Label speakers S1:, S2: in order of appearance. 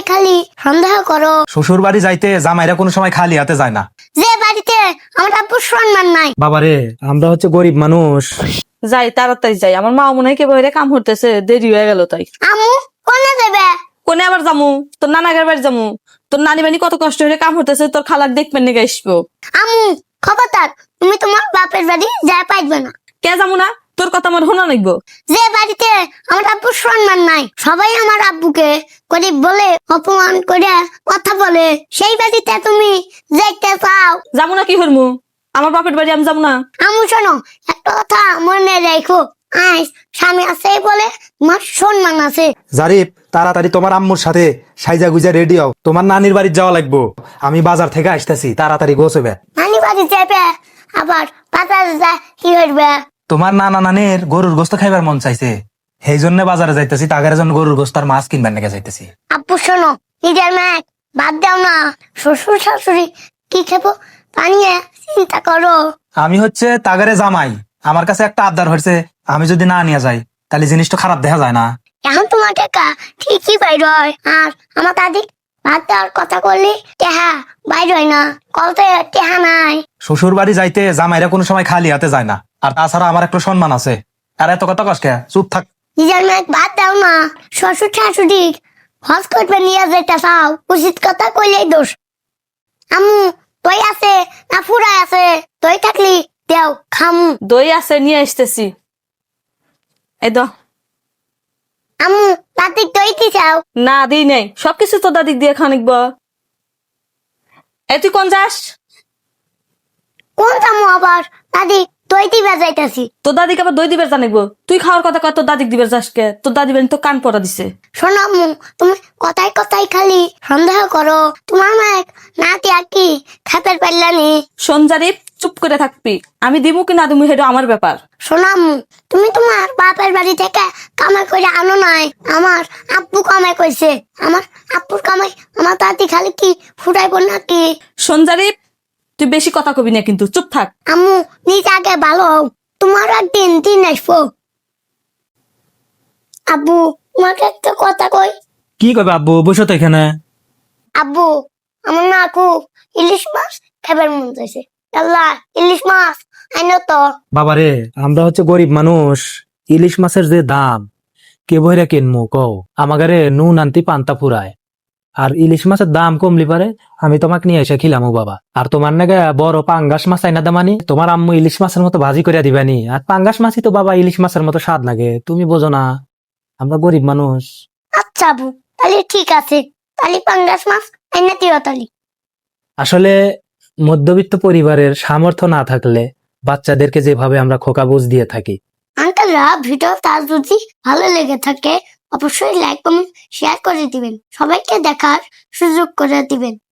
S1: কথাই খালি সন্দেহ করো।
S2: শ্বশুর বাড়ি যাইতে জামাইরা কোনো সময় খালি হাতে যায় না।
S1: যে বাড়িতে আমার আব্বুর সম্মান নাই।
S2: বাবারে, আমরা হচ্ছে গরিব মানুষ।
S3: যাই তাড়াতাড়ি যাই, আমার মা মনে হয় কে বইরে কাম করতেছে, দেরি হয়ে গেল তাই।
S1: আম্মু কোনে যাবে?
S3: কোনে আবার যামু? তোর নানাগার বাড়ি যামু। তোর নানি বানি কত কষ্ট হয়ে কাম করতেছে, তোর খালাক দেখবেন নাকি আসবো।
S1: আম্মু খবরদার, তুমি তোমার বাপের বাড়ি যা পাইবে না।
S3: কে যামু না? তোর কথা আমার শোনা লাগবো।
S1: যে বাড়িতে আমার আব্বুর সম্মান নাই, সবাই আমার আব্বুকে গরিব বলে অপমান করে কথা বলে, সেই বাড়িতে তুমি যাইতে চাও?
S3: যামু না কি হরমু? আমার বাপের বাড়ি আমি যাবো না।
S1: আম্মু শোনো, একটা কথা মনে রেখো, আজ স্বামী আছে বলে তোমার সম্মান আছে।
S2: জারিফ, তাড়াতাড়ি তোমার আম্মুর সাথে সাইজা গুজা রেডি হও, তোমার নানির বাড়ি যাওয়া লাগবো। আমি বাজার থেকে আসতেছি, তাড়াতাড়ি গোছবে।
S1: নানি বাড়ি যাবে, আবার বাজারে যা কি হইবে?
S2: তোমার নানা নানির গরুর গোস্ত খাইবার মন চাইছে, সেই জন্য বাজারে যাইতেছি, তাগের জন্য গরুর গোস্ত আর মাছ কিনবার নাকি যাইতেছি।
S1: আব্বু শোনো, নিজের মেয়ে বাদ দাও না, শ্বশুর শাশুড়ি কি খেবো তা নিয়ে চিন্তা করো।
S2: আমি হচ্ছে তাগারে জামাই, আমার কাছে একটা আবদার হয়েছে, আমি যদি না নিয়ে যাই তাহলে জিনিসটা খারাপ দেখা যায় না।
S1: এখন তোমার টাকা ঠিকই বাইর হয়, আর আমার দাদি ভাত দেওয়ার কথা করলে টেহা বাইর হয় না, কলতে টেহা নাই।
S2: শ্বশুর বাড়ি যাইতে জামাইরা কোনো সময় খালি হাতে যায় না, আর তাছাড়া আমার একটা সম্মান আছে। আর এত কথা কষ্ট, চুপ থাক।
S1: নিজের মেয়ে ভাত দাও না, শ্বশুর শাশুড়ি হজ করবে নিয়ে যেতে চাও, উচিত কথা কইলেই দোষ। আম্মু দই আছে না ফুরাই আছে? দই থাকলি দেও খামু।
S3: দই আছে, নিয়ে আসতেছি। এই দ।
S1: আম্মু দাদিক দই কি চাও?
S3: না দিই নাই, সবকিছু তো দাদিক দিয়ে খানিকব। এই তুই কোন যাস?
S1: কোন চামু আবার? দাদি দই দিবে যাইতাছি।
S3: তোর দাদিকে আবার দই দিবার জানিব? তুই খাওয়ার কথা কয় তোর দাদিক দিবার যাস কে? তোর দাদি বানি তো কান পড়া দিছে।
S1: শোনো আম্মু, তুমি কথায় কথায় খালি সন্দেহ করো, তোমার মা নাতি আর কি খাপের পারলানি।
S3: সঞ্জারিপ, চুপ করে থাকবি। আমি দিমু কি না দিমু সেটা আমার ব্যাপার।
S1: শোনো আম্মু, তুমি তোমার বাপের বাড়ি থেকে কামাই করে আনো নাই, আমার আব্বু কামাই করছে। আমার আব্বুর কামাই আমার দাদি খালি কি ফুটাইব নাকি?
S3: সঞ্জারিপ, তুই বেশি কথা কবি না কিন্তু, চুপ থাক।
S1: আম্মু নিজ আগে ভালো হও, তোমার একদিন দিন আসবো। আব্বু তোমাকে একটা কথা কই।
S2: কি কবে আব্বু? বসো তো এখানে।
S1: আব্বু আমার না খুব ইলিশ মাছ খাবার মন চাইছে, আল্লাহ ইলিশ মাছ আইনো তো।
S2: বাবারে, আমরা হচ্ছে গরিব মানুষ, ইলিশ মাছের যে দাম, কে বইরা কিনমু কও? আমাগারে নুন আনতি পান্তা ফুরায়, আর ইলিশ মাছের দাম কমলি পারে আমি তোমাকে নিয়ে এসে খিলামু বাবা। আর তোমার নাকি বড় পাঙ্গাস মাছ আইনা দামানি, তোমার আম্মু ইলিশ মাছের মতো ভাজি করে দিবানি। আর পাঙ্গাস মাছই তো বাবা ইলিশ মাছের মতো স্বাদ লাগে, তুমি বোঝো না? আমরা গরিব মানুষ।
S1: আচ্ছা আব্বু, তাহলে ঠিক আছে, তাহলে পাঙ্গাস মাছ আইনা দিও তাহলে।
S2: আসলে মধ্যবিত্ত পরিবারের সামর্থ্য না থাকলে বাচ্চাদেরকে যেভাবে আমরা খোকা বুঝ দিয়ে থাকি।
S1: আঙ্কেলরা ভিডিও তার যদি ভালো লেগে থাকে অবশ্যই লাইক কমেন্ট শেয়ার করে দিবেন, সবাইকে দেখার সুযোগ করে দিবেন।